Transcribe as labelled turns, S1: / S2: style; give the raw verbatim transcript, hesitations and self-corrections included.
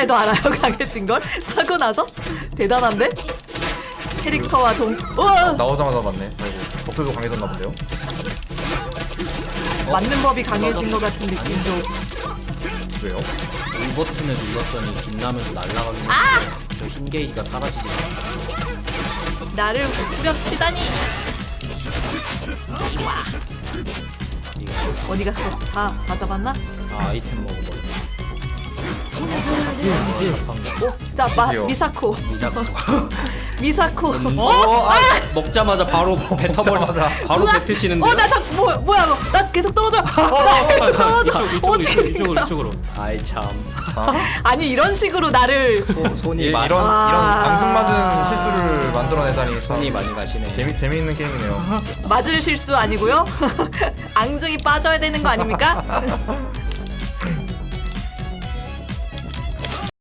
S1: 때도 알아요 강해진 걸? 사고 나서? 대단한데? 캐릭터와 동. 우와!
S2: 나오자마자 맞네. 아이고, 버프도 강해졌나 본데요.
S1: 맞는 법이 강해진 것 같은 느낌도.
S2: 왜요?
S3: 이 버튼을 눌렀더니 빛나면서 날아가는
S1: 아!
S3: 저흰 게이지가 사라지지 않아.
S1: 나를 후려치다니. 어디 갔어? 다, 다 잡았나?
S3: 아, 아이템 먹어버려.
S1: 오, 자, 마,
S2: 드디어.
S1: 미사코.
S3: 미사코.
S1: 미사코.
S3: 어?
S1: 어?
S3: 아! 먹자마자 바로 뱉어버려. 바로
S1: 우와!
S3: 뱉으시는데요?
S1: 어, 나 자, 뭐, 뭐야, 뭐. 나 계속 떨어져. 나 계속 떨어져.
S3: 이쪽,
S1: 어떻게
S3: 이쪽, 이쪽으로, 이쪽으로. 아이 참.
S1: 아니 이런 식으로 나를
S3: 소, 손이
S2: 이,
S3: 많이
S2: 이런
S1: 아.
S2: 이런 방송맞은 실수를 만들어내다니 참
S3: 손이 많이 가시네.
S2: 재미 재미있는 게임이네요.
S1: 맞을 실수 아니고요. 앙증이 빠져야 되는 거 아닙니까?